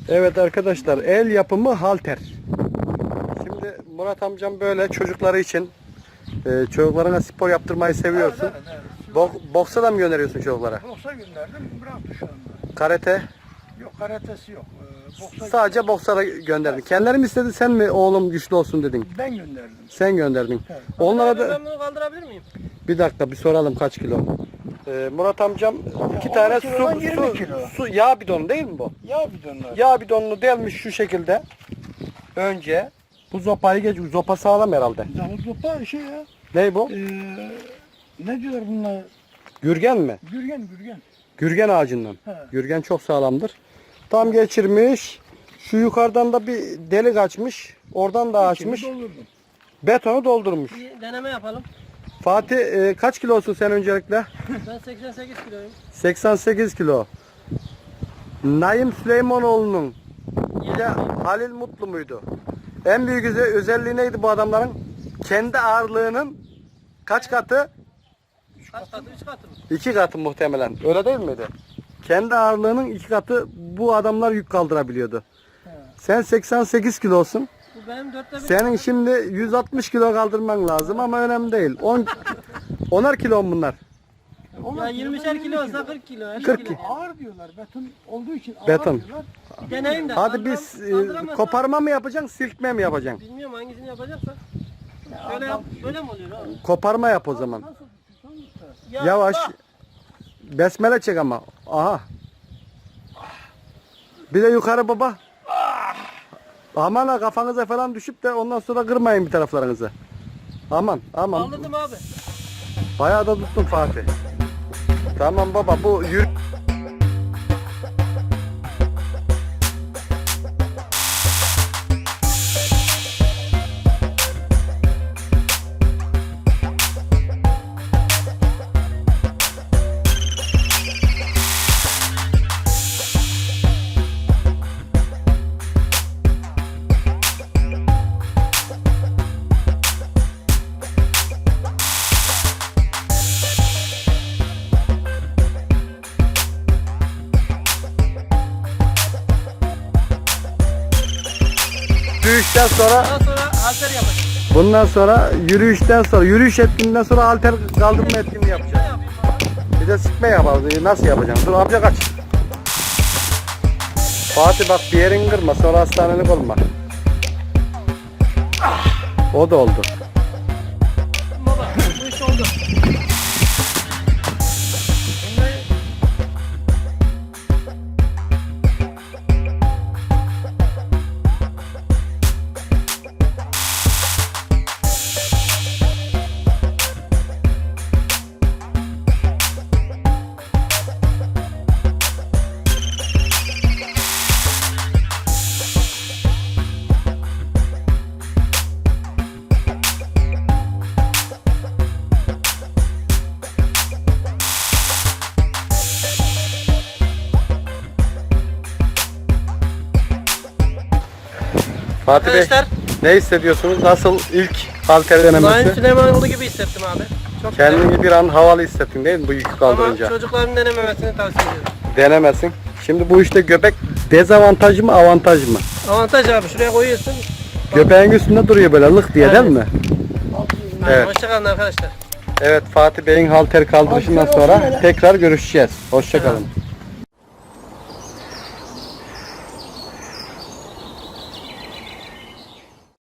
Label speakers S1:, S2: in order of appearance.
S1: Evet arkadaşlar, el yapımı halter. Şimdi Murat amcam böyle çocukları için, çocuklarına spor yaptırmayı seviyorsun.
S2: Evet.
S1: Boksa da mı gönderiyorsun çocuklara?
S2: Boksa gönderdim, bıraktı şu anda.
S1: Karate?
S2: Yok, karatesi yok.
S1: Sadece boksa da gönderdin. Kendileri mi istedi, sen mi oğlum güçlü olsun dedin?
S2: Ben gönderdim.
S1: Sen gönderdin.
S2: Evet.
S1: Onlara da
S3: Ben bunu kaldırabilir miyim?
S1: bir dakika bir soralım kaç kilo. Murat amcam iki tane
S2: kilodan 20 kilo.
S1: su yağ bidonu değil mi bu?
S2: Yağ bidonlar.
S1: Yağ bidonunu delmiş şu şekilde. Önce bu zopayı geç. Zopa sağlam herhalde.
S2: Davul topa şey ya.
S1: Ne bu?
S2: Ne diyorlar bunlar?
S1: Gürgen mi?
S2: Gürgen.
S1: Gürgen ağacından.
S2: He.
S1: Gürgen çok sağlamdır. Tam geçirmiş. Şu yukarıdan da bir delik açmış. Oradan da açmış.
S2: İçini doldurdum.
S1: Betonu doldurmuş.
S3: Bir deneme yapalım.
S1: Fatih kaç kilosun sen öncelikle?
S3: Ben 88 kiloyum.
S1: 88 kilo. Naim Süleymanoğlu'nun bir de Halil Mutlu muydu? En büyük özelliği neydi bu adamların? Kendi ağırlığının kaç katı?
S3: Kaç katı? 3 katı mı?
S1: 2 katı muhtemelen. Öyle değil miydi? Kendi ağırlığının 2 katı bu adamlar yük kaldırabiliyordu.
S2: He.
S1: Sen 88 kilosun.
S3: Bu benim 4'te 1.
S1: Senin şimdi 160 kilo kaldırman lazım ama önemli değil. 10'ar kilo mu bunlar?
S3: Ya 20'şer kilo olsa 40 kilo. 50
S1: 40
S3: kilo.
S2: Ağır diyorlar. Beton olduğu için ağır
S1: Beton.
S2: diyorlar.
S3: Bir deneyim de.
S1: Hadi biz
S3: kaldıramazsam-
S1: koparma mı yapacaksın, silkme mi yapacaksın?
S3: Bilmiyorum hangisini yapacaksa. Şöyle yap. Böyle mi oluyor abi?
S1: Koparma yap o zaman.
S2: Nasıl tutuyorsan tut.
S3: Ya
S1: Yavaş.
S3: bak,
S1: Besmele çek ama. Aha. Bir de yukarı baba. Aman ha, kafanıza falan düşüp de ondan sonra kırmayın bir taraflarınızı. Aman.
S3: Kaldırdım abi.
S1: Bayağı da tuttun Fatih. Tamam baba, bu yürü. Yürüyüşten sonra,
S3: Daha sonra halter yapacağım.
S1: bundan sonra yürüyüşten sonra, yürüyüş etkinliğinden sonra halter kaldırma etkinliği
S3: Ne
S1: yapacağız.
S3: yapayım abi?
S1: Bir de sıkma yapalım. Nasıl yapacaksın? Dur amca kaç. Fatih bak, bir yerin kırma, sonra hastanelik olma. O da oldu.
S3: Baba bu iş oldu. Şimdi
S1: Fatih Bey,
S3: arkadaşlar,
S1: ne hissediyorsunuz? Nasıl ilk halter
S3: Naim
S1: denemesi?
S3: Süleymanoğlu gibi hissettim abi. Çok güzel.
S1: Kendini bir an havalı hissettin değil mi bu yükü
S3: Ama
S1: kaldırınca?
S3: çocukların denememesini tavsiye ediyorum.
S1: Denemesin. Şimdi bu işte göbek dezavantaj mı, avantaj mı?
S3: Avantaj abi, şuraya koyuyorsun.
S1: Göbeğin üstünde duruyor böyle lık diye değil mi? Evet.
S3: Hoşçakalın arkadaşlar.
S1: Evet, Fatih Bey'in halter kaldırışından sonra tekrar görüşeceğiz. Hoşça kalın.